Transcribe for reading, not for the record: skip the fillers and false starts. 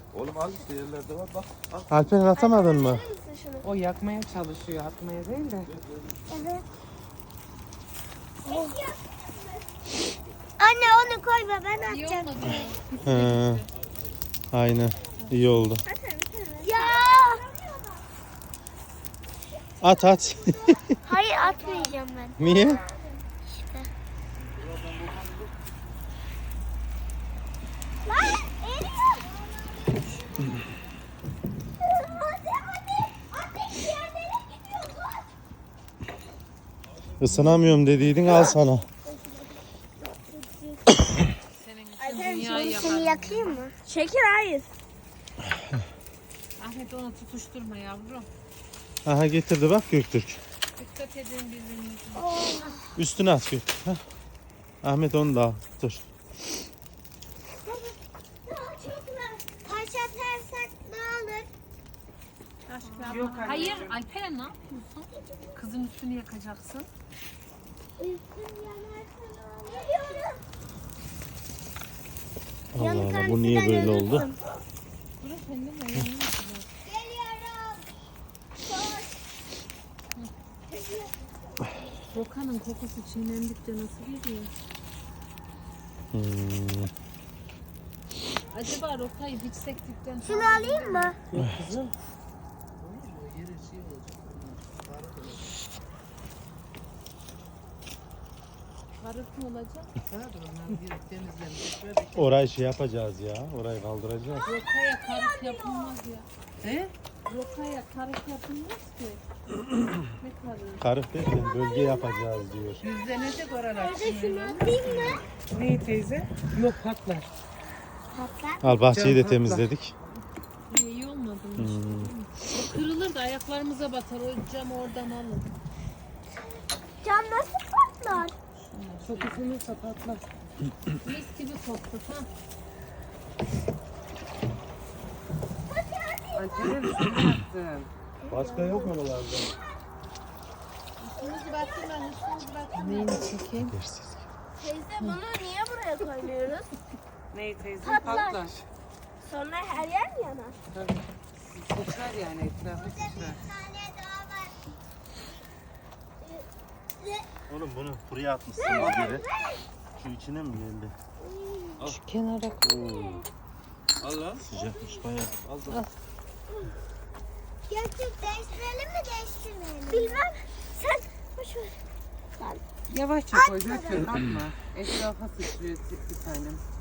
Oğlum al işte yerlerde var bak. Al. Alperen atamadın mı? Verir misin şunu? O yakmaya çalışıyor, atmaya değil de. Evet. Anne onu koyma ben atacağım. He. Aynen. İyi oldu. Ya. At at. Hayır atmayacağım ben. Niye? Lan eriyor. Isınamıyorum dediydin, al sana. Seni yakayım mı? Şeker hayır. Ahmet onu tutuşturma yavrum. Aha getirdi bak Göktürk. Dikkat edin birbirinize. Üstüne at Göktürk. Heh. Ahmet onu da al. Dur. Taş atarsak ne olur? Yok hayır Alperen ne yapıyorsun? Kızın üstünü yakacaksın. Üstüm yanarsa ne olur? Allah Allah, bu niye böyle oldu? Dur efendim ayağını Geliyorum. Roka'nın kokusu çiğnendikçe nasıl geliyor? Acaba Roka'yı hiç sektikten Şunu alayım mı? Kızım. karık mı olacak? Orayı şey yapacağız ya. Orayı kaldıracağız. Roka'ya karık yapılmaz ya. He? Roka'ya karık yapılmaz ki. Ne karık? Karık derken bölge yapacağız diyor. Yüzlenecek oralar. Şunu atayım mı? Neyi teyze? Yok patlar. Patlar. Al bahçeyi de Can temizledik. İyi olmadı mı? O kırılır da ayaklarımıza batar. O camı oradan alın. Cam nasıl patlar? Çok ısınırsa patlar. Mis gibi koktu ha. Alperen şunu yaptın. Başka yok mu oralarda? Üstünüzü bastırmayın, üstünüzü bastırmayın. Neyini çekeyim? Dersiz. Teyze bunu niye buraya koymuyoruz? Neyi teyze? Patlar. Patlar. Sonra her yer mi yanar? Tabii. Sıçrar yani etrafı sıçrar. Oğlum bunu buraya atmışsın bir kere. Şu içine mi geldi? Şu kenara koy. Al lan. Sıcakmış bayağı. Al da. Gerçek değiştirelim mi değiştirmeyelim? Bilmem. Sen boş ver. Yavaşça koy. Dökme atma. Etrafa sıçrıyor bir tanem.